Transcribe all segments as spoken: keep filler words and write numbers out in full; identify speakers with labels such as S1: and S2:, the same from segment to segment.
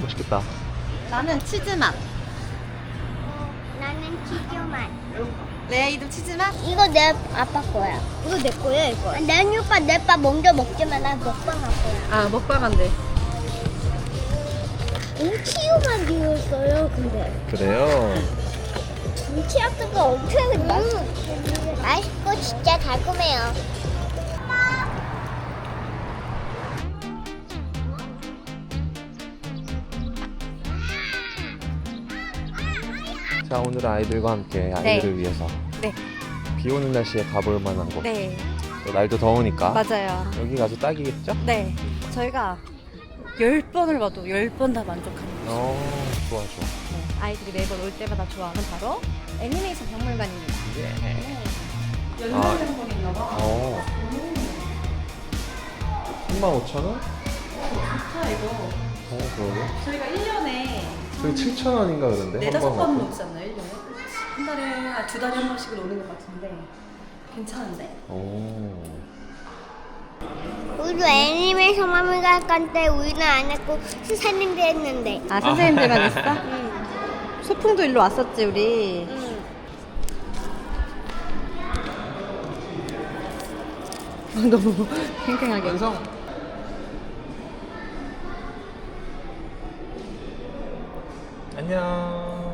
S1: 맛있겠다.
S2: 나는 치즈맛.
S3: 나는 치즈맛.
S2: 레이도 치즈맛?
S3: 이거 내 아빠 거야.
S2: 이거 내 거야 이거.
S3: 내 오빠 내빠 먼저 먹지만 나 먹방 할 거야.
S2: 아 먹방한대.
S3: 뭉치유만 비웠어요. 근데
S1: 그래요?
S3: 뭉치아트가 엄청 맛. 맛있고 진짜 달콤해요.
S1: 자, 오늘 아이들과 함께 아이들을 위해서
S2: 네.
S1: 비 오는 날씨에 가볼 만한 곳.
S2: 네.
S1: 또 날도 더우니까
S2: 맞아요.
S1: 여기가 아주 딱이겠죠?
S2: 네. 저희가 열 번을 봐도 열 번 다 만족합니다.
S1: 어, 좋아 좋아.
S2: 네. 아이들이 매번 올 때마다 좋아하는 바로 애니메이션 박물관입니다.
S1: 예.
S2: 연말
S1: 아.
S2: 상품 있나 봐.
S1: 어. 삼만 오천 원?
S2: 좋다 이거.
S1: 어, 그러게.
S2: 저희가 일 년에
S1: 저기 칠천 원인가 그런데.
S2: 네다섯
S1: 한
S2: 번
S1: 번
S2: 오지 않나요? 일 년에? 한 달에 한 두 달에 한 번씩은 오는 것 같은데 괜찮은데?
S1: 오.
S3: 우리도 애니메이션 박물관 갈 때 우리는 안 했고 수사님도 했는데.
S2: 아 선생님들만 있어?
S3: 응.
S2: 소풍도 일로 왔었지 우리.
S3: 응.
S2: 너무 팽팽하게.
S1: 완성. 안녕.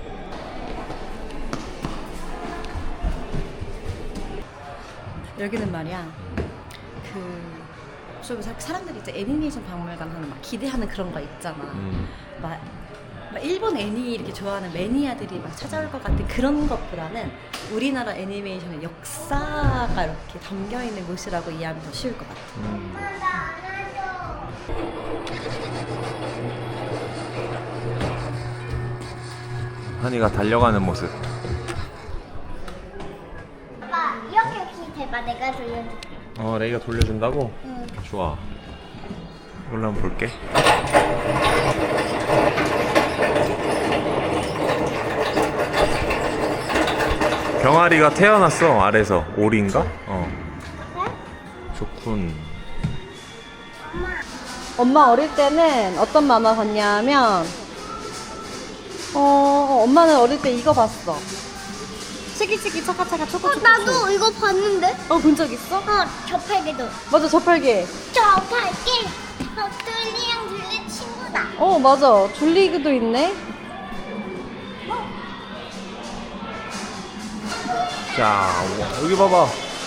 S2: 여기는 말이야 그 좀 사람들이 이제 애니메이션 박물관 하면 막 기대하는 그런 거 있잖아.
S1: 음.
S2: 막, 막 일본 애니 이렇게 좋아하는 매니아들이 막 찾아올 것 같은 그런 것보다는 우리나라 애니메이션의 역사가 이렇게 담겨 있는 곳이라고 이해하면 더 쉬울 것 같아.
S1: 음. 한이가 달려가는 모습.
S3: 아빠 이렇게 이렇게 대봐. 내가 돌려줄게.
S1: 어, 레이가 돌려준다고?
S3: 응.
S1: 좋아. 이걸로 한번 볼게. 병아리가 태어났어, 아래서. 오리인가? 어. 좋군.
S2: 엄마 어릴 때는 어떤 만화 봤냐면 어 엄마는 어릴 때 이거 봤어. 치기치기 차카차카 초코초코.
S3: 나도 이거 봤는데.
S2: 어본 적 있어?
S3: 어, 저팔계도.
S2: 맞아 저팔계.
S3: 저팔계. 어, 뚫리랑 둘리 친구다.
S2: 어 맞아 줄리그도 있네.
S1: 자, 와, 여기 봐봐.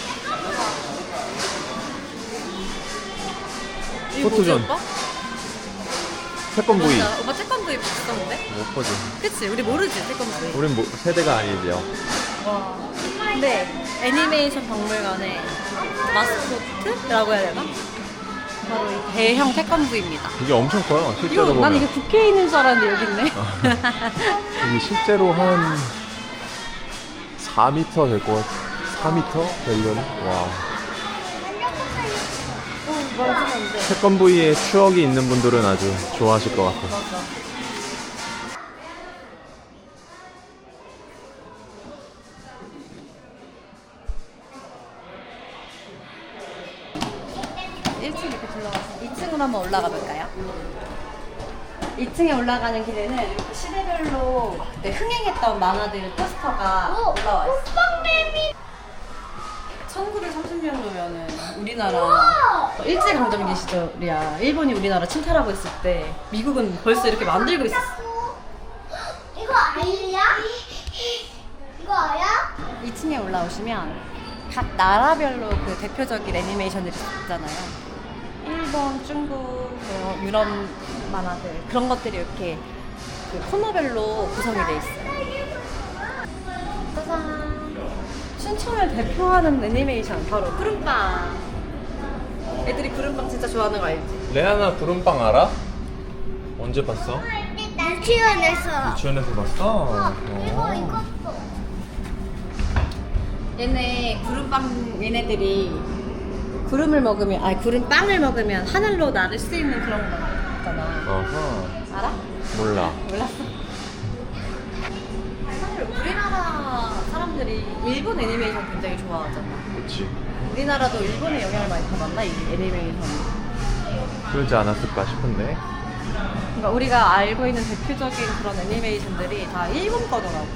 S2: 이거 뭐지,
S1: 포토존.
S2: 오빠?
S1: 태권브이.
S2: 맞아. 오빠 태권브이 봤었는데?
S1: 못 보지.
S2: 그치 우리 모르지 태권브이.
S1: 우린 뭐, 세대가 아니지요.
S2: 와. 근데 애니메이션 박물관의 마스코트라고 해야 되나? 바로 이 대형 태권브이입니다.
S1: 이게 엄청 커요, 실제로
S2: 이거
S1: 보면.
S2: 난 이게 국회에 있는 줄 알았는데 여기 있네.
S1: 이게 실제로 한 사 미터 될 것 같아. 사 미터 되려나? 와. 태권브이에 추억이 있는 분들은 아주 좋아하실 것 같아.
S2: 맞아. 일 층 이렇게 둘러가서 이 층으로 한번 올라가 볼까요? 이 층에 올라가는 길에는 이렇게 시대별로 그때 흥행했던 만화들 포스터가 올라와 있어. 천구백삼십 년도면은 우리나라 일제강점기 시절이야. 일본이 우리나라 침탈하고 있을 때 미국은 벌써 이렇게 만들고 있었어.
S3: 이거 아이야? 이거 아야?
S2: 이 층에 올라오시면 각 나라별로 그 대표적인 애니메이션들이 있잖아요. 일본, 중국, 뭐 유럽 만화들 그런 것들이 이렇게 그 코너별로 구성이 돼 있어요. 짜잔! 춘천을 대표하는 애니메이션 바로 구름빵. 애들이 구름빵 진짜 좋아하는 거 알지?
S1: 레아나 구름빵 알아? 언제 봤어?
S3: 유치원에서.
S1: 유치원에서 봤어?
S3: 이거
S1: 어.
S3: 이거.
S2: 얘네 구름빵 얘네들이 구름을 먹으면 아니 구름빵을 먹으면 하늘로 나를 수 있는 그런 거잖아.
S1: 어허.
S2: 알아?
S1: 몰라.
S2: 몰랐어. 사실 우리나라 사람들이 일본 애니메이션 굉장히 좋아하잖아.
S1: 그렇지.
S2: 우리나라도 일본의 영향을 많이 받았나 이 애니메이션이?
S1: 그러지 않았을까 싶은데.
S2: 그러니까 우리가 알고 있는 대표적인 그런 애니메이션들이 다 일본 거더라고.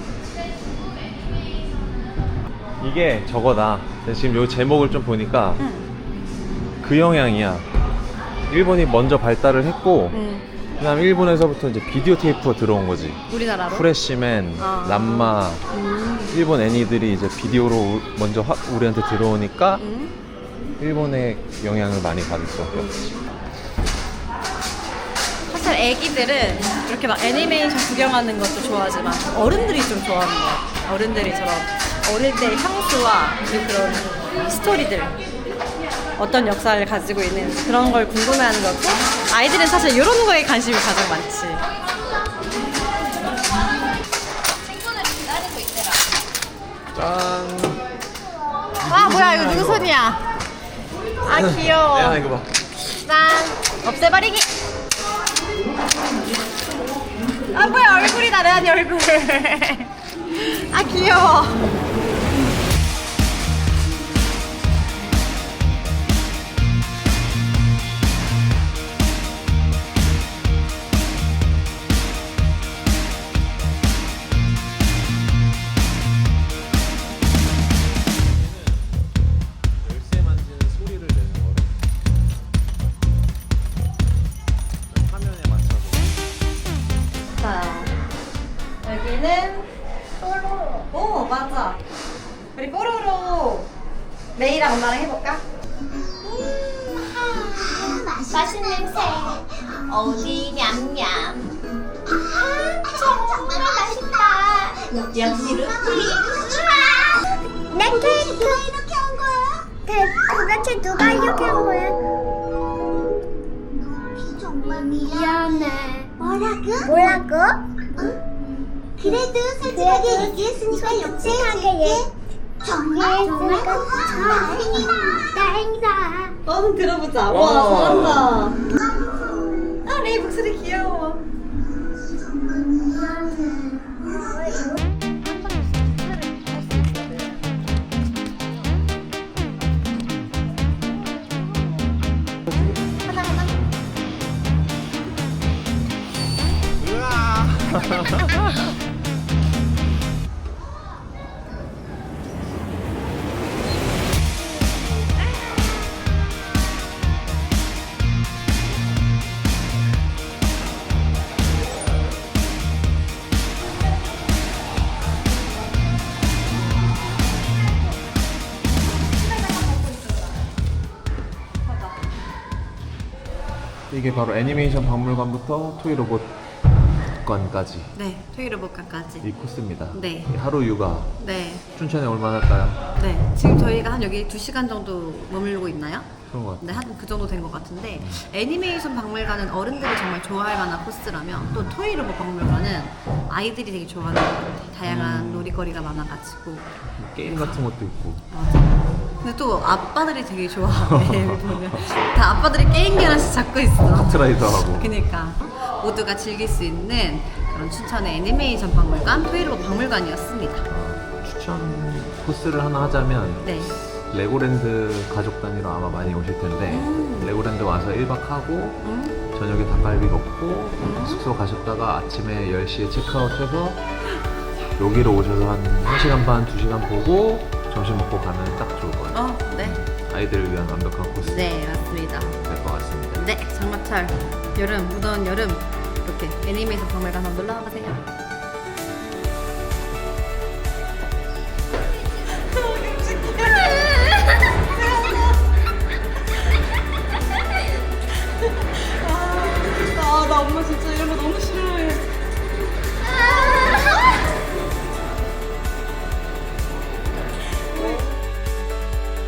S1: 이게 저거다. 지금 요 제목을 좀 보니까
S2: 응.
S1: 그 영향이야. 일본이 먼저 발달을 했고
S2: 응.
S1: 그다음 일본에서부터 이제 비디오 테이프가 들어온 거지.
S2: 우리나라로?
S1: 프레시맨,
S2: 아.
S1: 람마,
S2: 음.
S1: 일본 애니들이 이제 비디오로 우- 먼저 화- 우리한테 들어오니까
S2: 음.
S1: 일본의 영향을 많이 받을 수밖에 없지.
S2: 사실 애기들은 이렇게 막 애니메이션 구경하는 것도 좋아하지만 어른들이 좀 좋아하는 것 같아. 어른들이 저런 어릴 때의 향수와 그리고 그런 스토리들, 어떤 역사를 가지고 있는 그런 걸 궁금해하는 거고, 아이들은 사실 이런 거에 관심이 가장 많지. 친구들 기다리고 있더라.
S1: 짠.
S2: 아 뭐야 이거 누구 손이야? 아 귀여워.
S1: 야 이거 봐.
S2: 짠. 없애버리기. 아 뭐야 얼굴이다 레안이 얼굴. 아 귀여워.
S1: 열쇠 만지는 소리를 내는 거를 화면에 맞춰서.
S2: 자 여기는 뽀로로. 오 맞아. 우리 뽀로로 메이랑 엄마랑 해볼까?
S3: 맛있는 냄새. 어디 냠냠. 아, 정말 맛있다. 역시 루피. 내 케이크. 누가 이렇게 한 거야? 그, 도대체 누가 이렇게 한 거야? 루피 정말 미안해. 뭐라고? 뭐라고? 그래도 솔직하게 얘기했으니까 역시하게 정말 정말 다행이다. 다행이다.
S2: 너는 들어보자.
S1: 와.
S2: 와 잘한다. 아 레이 목소리 귀여워. 하나 하나.
S1: 이게 바로 애니메이션 박물관부터 토이로봇관까지
S2: 네 토이로봇관까지.
S1: 이 코스입니다.
S2: 네.
S1: 이 하루 휴가
S2: 네.
S1: 춘천에 얼마나 할까요?
S2: 네. 지금 저희가 한 여기 두 시간 정도 머물고 있나요?
S1: 그런 것 같아요.
S2: 네, 한 그 정도 된 것 같은데 애니메이션 박물관은 어른들이 정말 좋아할 만한 코스라면 또 토이로봇 박물관은 아이들이 되게 좋아하는 것 같아요. 다양한 놀이거리가 많아가지고.
S1: 게임 같은 것도 있고.
S2: 맞아. 근데 또 아빠들이 되게 좋아해. 여기 보면 다 아빠들이 게임기 하나씩 잡고 있어.
S1: 카트라이더 하고.
S2: 그니까 모두가 즐길 수 있는 그런 춘천의 애니메이션 박물관 토이로봇 박물관이었습니다.
S1: 추천 코스를 하나 하자면
S2: 네.
S1: 레고랜드 가족 단위로 아마 많이 오실 텐데
S2: 음.
S1: 레고랜드 와서 일 박 하고
S2: 음?
S1: 저녁에 닭갈비 먹고 숙소 가셨다가 아침에 열 시에 체크아웃해서 여기로 오셔서 한 한 시간 반, 두 시간 보고 점심 먹고 가면 딱 좋을 거예요.
S2: 어, 네.
S1: 아이들을 위한 완벽한 코스 될
S2: 네, 맞습니다.
S1: 것 같습니다.
S2: 네, 장마철 여름, 무더운 여름 이렇게 애니메이션 박물관 한번 놀러 와보세요.